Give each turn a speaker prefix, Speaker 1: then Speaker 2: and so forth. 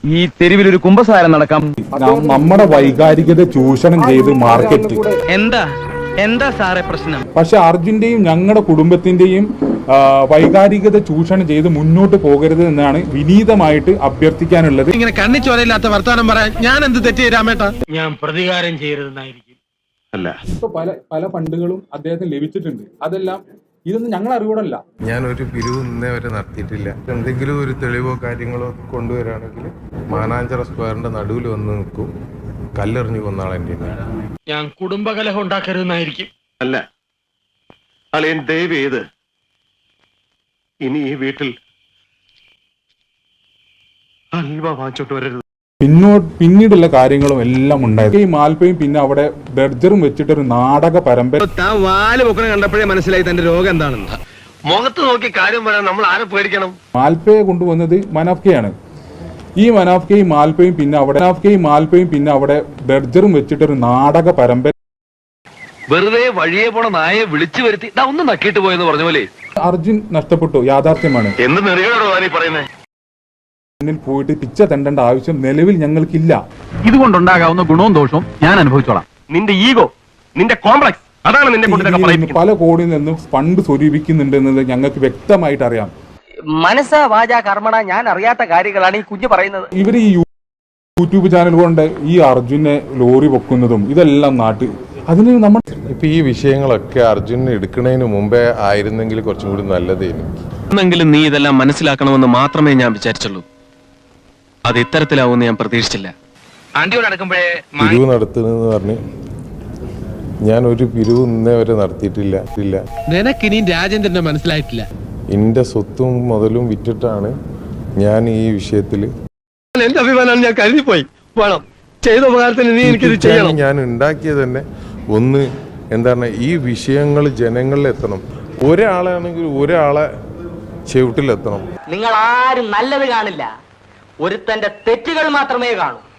Speaker 1: ഈ തെരുവിൽ ഒരു കുമ്പസാരം നടക്കാം.
Speaker 2: നമ്മുടെ വൈകാരികത ചൂഷണം ചെയ്ത് മാർക്കറ്റ്
Speaker 1: എന്താ സാറേ പ്രശ്നം?
Speaker 2: പക്ഷെ അർജുന്റെയും ഞങ്ങളുടെ കുടുംബത്തിന്റെയും വൈകാരികത ചൂഷണം ചെയ്ത് മുന്നോട്ട് പോകരുത് എന്നാണ് വിനീതമായിട്ട് അഭ്യർത്ഥിക്കാനുള്ളത്.
Speaker 3: ഇങ്ങനെ കണ്ണിച്ചോരയില്ലാത്ത വർത്താനം പറയാൻ ഞാൻ എന്ത് തെറ്റ് രാമേട്ട? ഞാൻ പ്രതികാരം ചെയ്യരുതെന്നായിരിക്കും. അല്ല,
Speaker 2: ഇപ്പൊ പല ഫണ്ടുകളും അദ്ദേഹത്തിന് ലഭിച്ചിട്ടുണ്ട്. അതെല്ലാം ഇതൊന്നും ഞങ്ങൾ അറിവോടല്ല.
Speaker 4: ഞാനൊരു പിരിവ് ഇന്നേ വരെ നടത്തിയിട്ടില്ല. എന്തെങ്കിലും ഒരു തെളിവോ കാര്യങ്ങളോ കൊണ്ടുവരാണെങ്കിൽ മാനാഞ്ചിറ സ്ക്വയറിന്റെ നടുവിൽ വന്ന് നിൽക്കും, കല്ലെറിഞ്ഞു കൊന്നാളെന്റെ.
Speaker 3: ഞാൻ കുടുംബകലഹം ഉണ്ടാക്കരുതെന്നായിരിക്കും.
Speaker 5: അല്ല, അളിയൻ ദയവ് ചെയ്ത് ഇനി ഈ വീട്ടിൽ അൽവ വാങ്ങിച്ചോട്ട് വരരുത്.
Speaker 2: പിന്നീടുള്ള കാര്യങ്ങളും എല്ലാം ഉണ്ടായത് ഈ മാൽപ്പയും പിന്നെ അവിടെ ബർജറും വെച്ചിട്ടൊരു നാടക പരമ്പര.
Speaker 3: കണ്ടപ്പോഴേ മനസ്സിലായി തന്റെ രോഗം എന്താണെന്ന്.
Speaker 5: മുഖത്ത് നോക്കി കാര്യം പറയാൻ നമ്മൾ ആരെ പേടിക്കണം?
Speaker 2: മാൽപ്പയെ കൊണ്ടുവന്നത് മനാഫ്കയാണ്. ഈ മനാഫ്കയും മാൽപ്പയും പിന്നെ അവിടെ ബർജറും വെച്ചിട്ടൊരു നാടക പരമ്പര.
Speaker 6: വെറുതെ വഴിയെ പോണ നായെ വിളിച്ചു വരുത്തി ഒന്ന് നക്കിയിട്ട് പോയെന്ന് പറഞ്ഞ പോലെ
Speaker 2: അർജുൻ നഷ്ടപ്പെട്ടു, യാഥാർത്ഥ്യമാണ്.
Speaker 5: എന്ത് നെറികളോടോ നീ പറയുന്നേ?
Speaker 2: മുന്നിൽ പോയിട്ട് പിച്ച തെണ്ടേണ്ട ആവശ്യം നിലവിൽ ഞങ്ങൾക്കില്ല.
Speaker 1: ഇതുകൊണ്ടുണ്ടാകാവുന്ന ഗുണവും ദോഷവും ഞാൻ അനുഭവിച്ചോളാം.
Speaker 5: നിന്റെ ഈഗോ, നിന്റെ കോംപ്ലക്സ്, അതാണ് നിന്നെ
Speaker 2: പല കോടിയിൽ നിന്നും ഫണ്ട് സ്വരൂപിക്കുന്നുണ്ടെന്നത് ഞങ്ങൾക്ക് വ്യക്തമായിട്ട് അറിയാം.
Speaker 7: മനസ്സ വാച കർമ്മണ ഞാൻ അറിയാത്ത കാര്യങ്ങളാണ് ഈ കുഞ്ഞു പറയുന്നത്.
Speaker 2: ഇവർ ഈ യൂട്യൂബ് ചാനൽ കൊണ്ട് ഈ അർജുനെ ലോറി പൊക്കുന്നതും ഇതെല്ലാം അതിന് നമ്മൾ
Speaker 4: ഇപ്പൊ ഈ വിഷയങ്ങളൊക്കെ അർജുനെ എടുക്കുന്നതിന് മുമ്പേ ആയിരുന്നെങ്കിൽ കുറച്ചും കൂടി നല്ലതേനു.
Speaker 6: എന്നെങ്കിലും നീ ഇതെല്ലാം മനസ്സിലാക്കണമെന്ന് മാത്രമേ ഞാൻ വിചാരിച്ചുള്ളൂ. അത് ഇത്തരത്തിലാവുമെന്ന് ഞാൻ പ്രതീക്ഷിച്ചില്ല.
Speaker 4: പിരിവ് നടത്തുന്നെന്ന് പറഞ്ഞ് ഞാൻ ഒരു പിരിവ് ഇന്നേ വരെ നടത്തിയിട്ടില്ല.
Speaker 3: നിനക്കിനിയും രാജേന്ദ്രനെ മനസ്സിലായിട്ടില്ല.
Speaker 4: എന്റെ സ്വത്തും മുതലും വിറ്റിട്ടാണ് ഞാൻ ഈ വിഷയത്തില്
Speaker 3: എന്റെ അഭിമാനമാണ് ഞാൻ കരുതിപ്പോയി. വേണം ചെയ്ത ഉപകാരത്തിന് നീ എനിക്കിത് ചെയ്യണം.
Speaker 4: ഞാൻ ഉണ്ടാക്കിയത് തന്നെ ഒന്ന് എന്താണ്, ഈ വിഷയങ്ങൾ ജനങ്ങളിൽ എത്തണം. ഒരാളാണെങ്കിൽ ഒരാളെ ചവിട്ടിലെത്തണം.
Speaker 7: നിങ്ങൾ ആരും നല്ലത് കാണില്ല, ഒരുത്തന്റെ തെറ്റുകൾ മാത്രമേ കാണൂ.